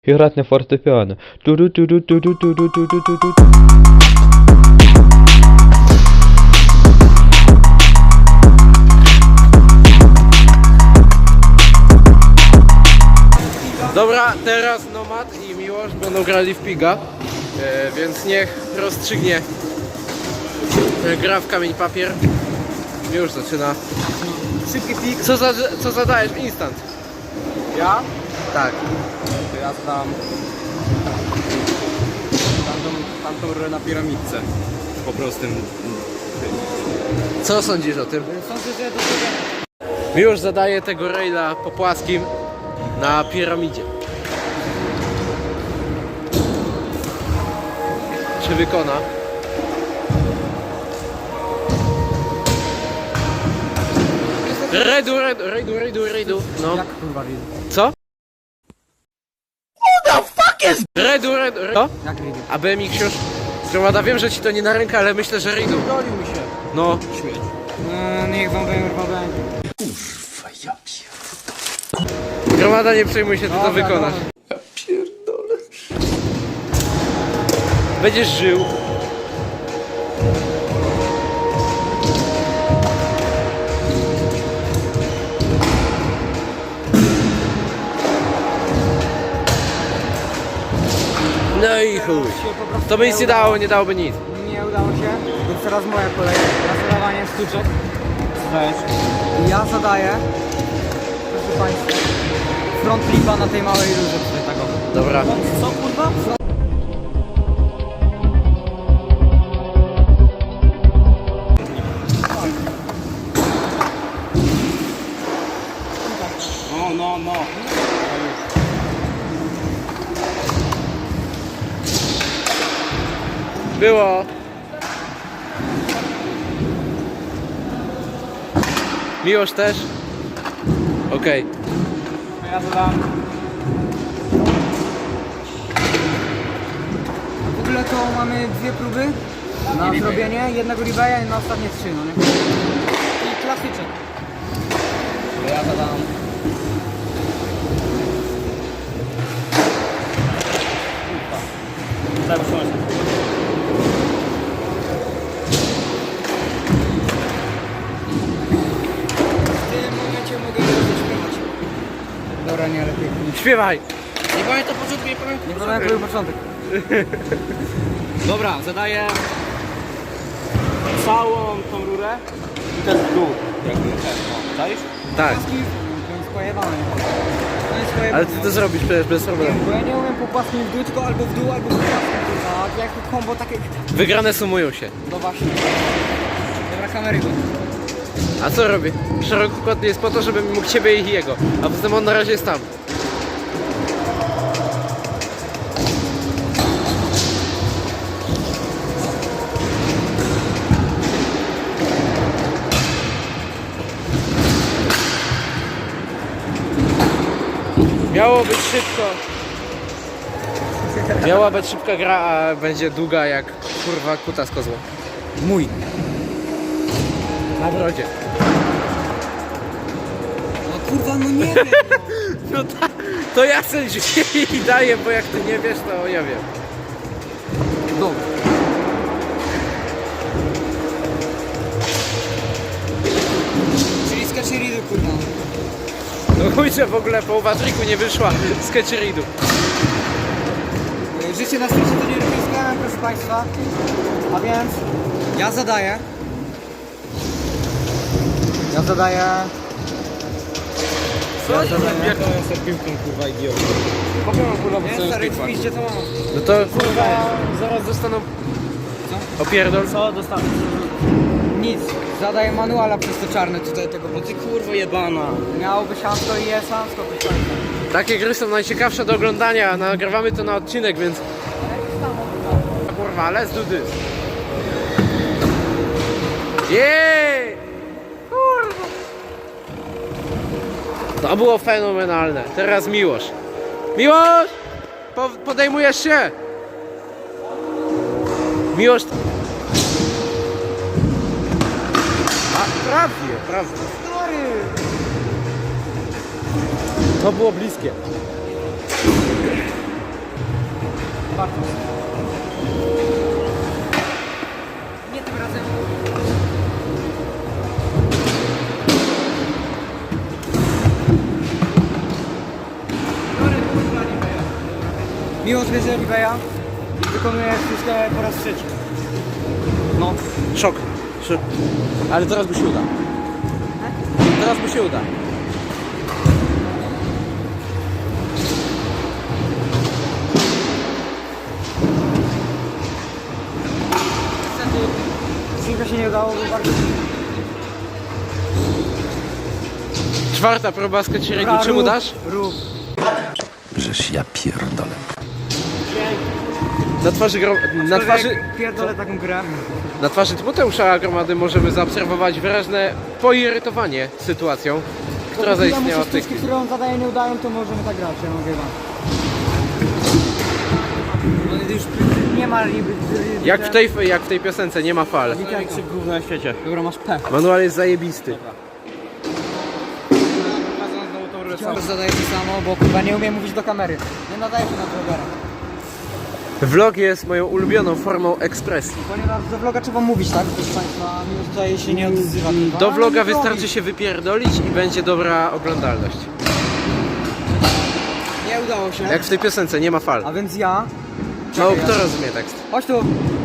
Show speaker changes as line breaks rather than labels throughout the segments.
І грати на фортепіано. Ту-ду-ту-ду-ту-ду-ту-ду-ту-ду-ту.
Dobra, teraz Nomad i Miłosz będą grali w Piga, więc niech rozstrzygnie gra w kamień papier. Już zaczyna.
Szybki pik.
Co zadajesz? Instant.
Ja?
Tak.
To ja dam tamtą rurę na piramidce. Po prostym.
Co sądzisz o tym?
Sądzę, że do tego...
Miłosz zadaje tego raila po płaskim na piramidzie. Czy wykona? Rejdu. No.
Jak kurwa widzę?
Co? Who the fuck is... Rejdu. Co?
Jak widzę?
A BMX już? Gromada, wiem, że ci to nie na rękę, ale myślę, że rejdu.
Dolił mi się.
No.
Śmieć. No niech wam będzie.
Gromada, nie przejmuj się, ty to
Dobra,
wykonasz.
dobra.
Ja pierdolę. Będziesz żył. No i chuj. To by nic nie dało, nie dałoby nic.
Nie udało się, więc teraz moja kolej na zadawanie sztuczek. Weź. Ja zadaję, proszę Państwa, front flipa na tej małej rurze tutaj taką.
Dobra.
Co kurwa? No.
Było. Miłosz też? Okej.
Ja zadam. W ogóle to mamy dwie próby na zrobienie jednego reveja i na ostatnie trzy, no nie? I klasyczek. Ja zadam. Daj usiąść. W tym momencie mogę zaśpiewać. Dobra, nie, lepiej.
Śpiewaj!
Nie pamiętam początku, nie pamiętam początek. Dobra, zadaję całą tą rurę i też w dół. Jakby ten, no, czaisz?
Tak.
To jest pojebane. To jest pojebane.
Ale ty to zrobisz przecież bez problemu.
Bo ja nie umiem po płaskim w dół, tylko albo w dół, albo w płaskim. A jak to kombo takie...
Wygrane sumują się.
No właśnie. Dobra, kamery go.
A co robię? Szerokokątny jest po to, żebym mógł ciebie i jego. A poza tym on na razie jest tam. Miało być szybko. Miała być szybka gra, a będzie długa jak kurwa kuta z kozła.
Mój.
Na brodzie.
No kurwa, no nie wiem.
No to ja sędziuję i daję, bo jak ty nie wiesz, to ja wiem.
Dobra. Czyli sketcheridy, kurwa.
No chuj, że w ogóle połowa triku nie wyszła z Ketcheridu.
Życie na świecie to nie ryzykiem, proszę Państwa. A więc ja zadaję.
Co?
Jak
to
jest tą piłką, kurwa, idiotą? Pokoją, kurwa, bo nie, stary, piszcie to mam.
No to kurwa, zaraz dostaną...
Co?
Opierdol.
Co dostanę? Nic. Zadaję manuala przez to czarne tutaj tego, bo ty kurwa jebana. Miałoby siansko i jest siansko, proszę Państwa.
Takie gry są najciekawsze do oglądania, nagrywamy to na odcinek, więc... Kurwa, let's do this. Jeee! Kurwa! To było fenomenalne. Teraz Miłosz. Miłosz! Podejmujesz się! Miłosz... A, prawie. To było bliskie.
Miłosz bierze Liveya i wykonuje wszystko po raz trzeci. No.
Szok. Ale teraz mu się uda. Teraz mu się uda.
Synka się nie udało, był bardzo...
Czwarta próba skocieregu.
Dobra,
Czemu
rób,
dasz?
Rób.
Żeż ja pierdolę.
Pierdolę taką grę.
Na twarzy Tymoteusza Gromady możemy zaobserwować wyraźne poirytowanie sytuacją, która zaistniała w tej chwili.
które on zadaje nie udają, to możemy tak grać, ja mogę wam. No już nie ma liby.
Jak w tej piosence, nie ma fal.
Największy gówno na świecie. Dobra, masz P.
Manual jest zajebisty.
Wciąż zadaję to samo, bo kurwa nie umiem mówić do kamery. Nie nadaję się na vlogera.
Vlog jest moją ulubioną formą ekspresji.
Ponieważ do vloga trzeba mówić, tak? Proszę Państwa, mimo tutaj się nie odzywa. Kurwa.
Do
Ale
vloga
nie
wystarczy
robi.
się wypierdolić i będzie dobra oglądalność.
Nie udało się.
Jak w tej piosence, nie ma fal.
A więc ja...
No, kto rozumie tekst?
Chodź tu.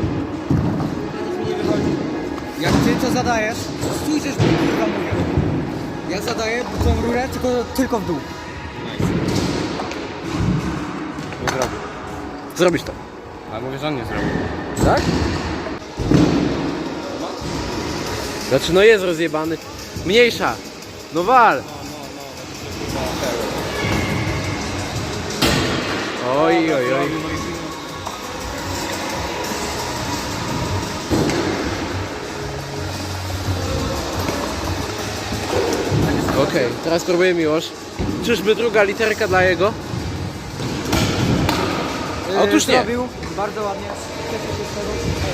Jak ty to zadajesz, słyszysz, kurwa mówię. Ja zadaję tą rurę tylko w dół.
Nie zrobił. Zrobisz to.
A mówię, że on nie zrobił.
Tak? Znaczy no jest rozjebany. Mniejsza. No wal. Oj, oj, oj. Okej, teraz spróbuję Miłosz. Czyżby druga literka dla jego? Otóż nie.
Zrobił, bardzo ładnie. Cieszę się z tego.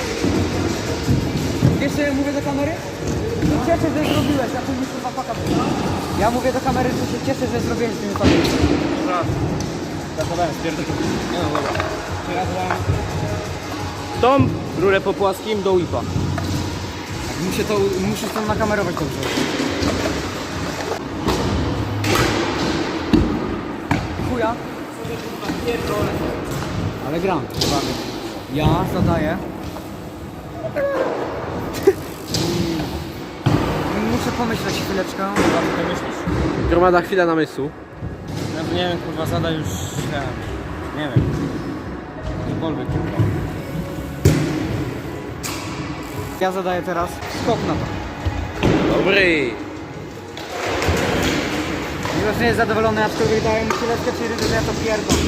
Wiesz co ja mówię do kamery? Cieszę, że zrobiłeś, ja później kurwa paka była. Ja mówię do kamery, że się cieszę, że zrobiłeś z tymi fakami.
Zachowałem, spierdolę. Nie no, dobra. Czy ja dałem tą rurę po płaskim do whipa.
Muszę to nakamerować dobrze. Chuja. Ale gram. Ja zadaję. Muszę pomyśleć chwileczkę.
Co myślisz?
Gromada, chwila namysłu.
Ja to nie wiem, kurwa, zada już... Nie wiem. Cokolwiek, kurwa.
Ja zadaję teraz skok na to.
Dobry.
Miłosz nie jest zadowolony, aczkolwiek daję mu chwileczkę, czyli że ja to pierdolę.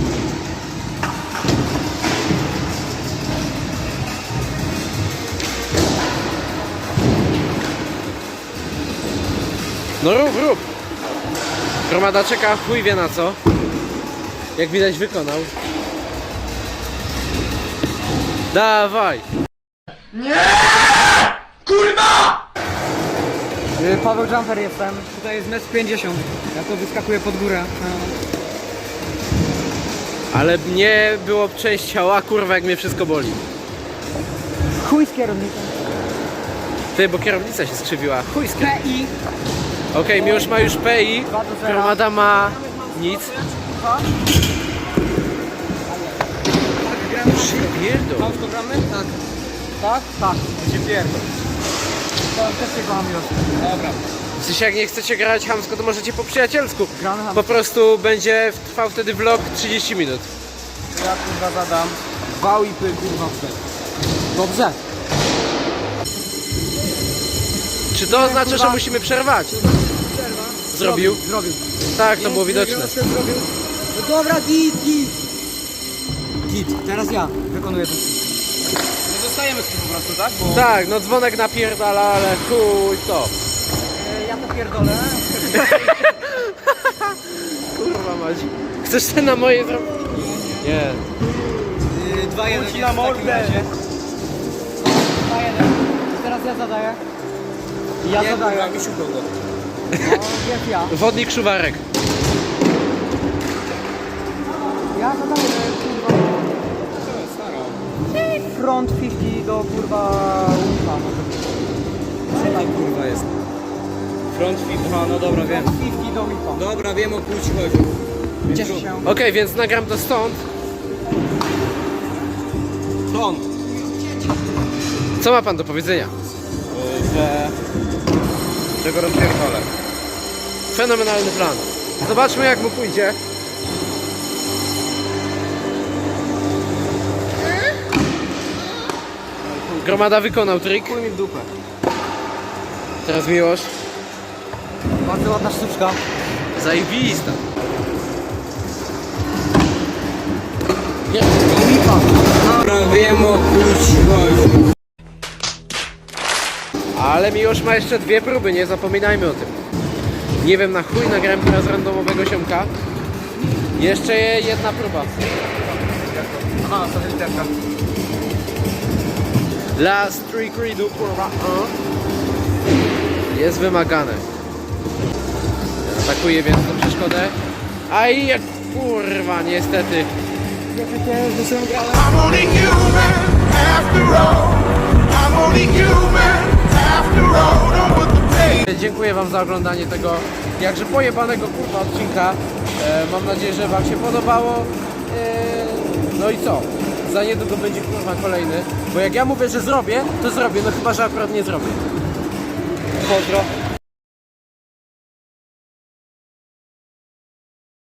No rób. Gromada czeka, chuj wie na co. Jak widać wykonał. Dawaj.
Paweł Jumper jestem. Tutaj jest 1,50 m. Ja to wyskakuję pod górę.
Ale mnie było część ciała, kurwa jak mnie wszystko boli.
Chuj z kierownikiem.
Ty, bo kierownica się skrzywiła. Chuj z
PI.
Okej, Miłosz ma już PI,
2 do 0.
Gromada ma nic. Przypierdol.
Małżko gramy? Tak. Tak? Tak. Gdzie pierdol. To też się kocham już. Dobra.
W sensie jak nie chcecie grać chamsko, to możecie po przyjacielsku.
Gramy chamsko.
Po prostu będzie trwał wtedy vlog 30 minut.
Ja kurwa zadam 2,5 kurwa w bek. Dobrze.
Czy to oznacza, że musimy przerwać? Zrobił?
Zrobił.
Tak, to było widoczne.
Zrobił. No dobra, git. Teraz ja wykonuję to.
Nie zostajemy z tym po prostu, tak? Bo...
Tak, no dzwonek napierdala, ale chuj to.
Ja to pierdolę.
Kurwa mać. Chcesz ten na moje zrobić? Nie.
2-1
Chodź na mordę.
2-1. Teraz ja zadaję. Ja zadaję.
Kurwa, Misiu kogo?
No, jest ja.
Wodnik Szuwarek.
Ja zadaję, kurwa. Front 50 do kurwa łuka.
Co tam kurwa jest? Front flip, aha, no dobra, wiem.
Front 50 do łuka.
Dobra, wiem o chuj ci chodzi.
Cieszę się.
Okej, więc nagram to stąd.
front.
Co ma pan do powiedzenia?
Że go rozpierdolę.
Fenomenalny plan. Zobaczmy jak mu pójdzie. Gromada wykonał trik.
Chuj mi w dupę.
Teraz Miłosz.
Bardzo ładna sztuczka.
Zajebista.
Lipa.
Wiem o kurczę.
Ale Miłosz ma jeszcze 2 próby, nie zapominajmy o tym. Nie wiem na chuj, nagrałem teraz randomowego ziomka. Jeszcze jedna próba.
Aha, to jest terka.
Last trick redo, kurwa. Jest wymagane. Atakuje więc tą przeszkodę. Aj, jak kurwa, niestety.
I'm only human after all. I'm only human after all. Don't put the pain.
Dziękuję wam za oglądanie tego jakże pojebanego kurwa odcinka. Mam nadzieję, że wam się podobało. No i co? Za niedługo będzie kurwa kolejny. Bo jak ja mówię, że zrobię, to zrobię. No chyba, że akurat nie zrobię.
Pozdro.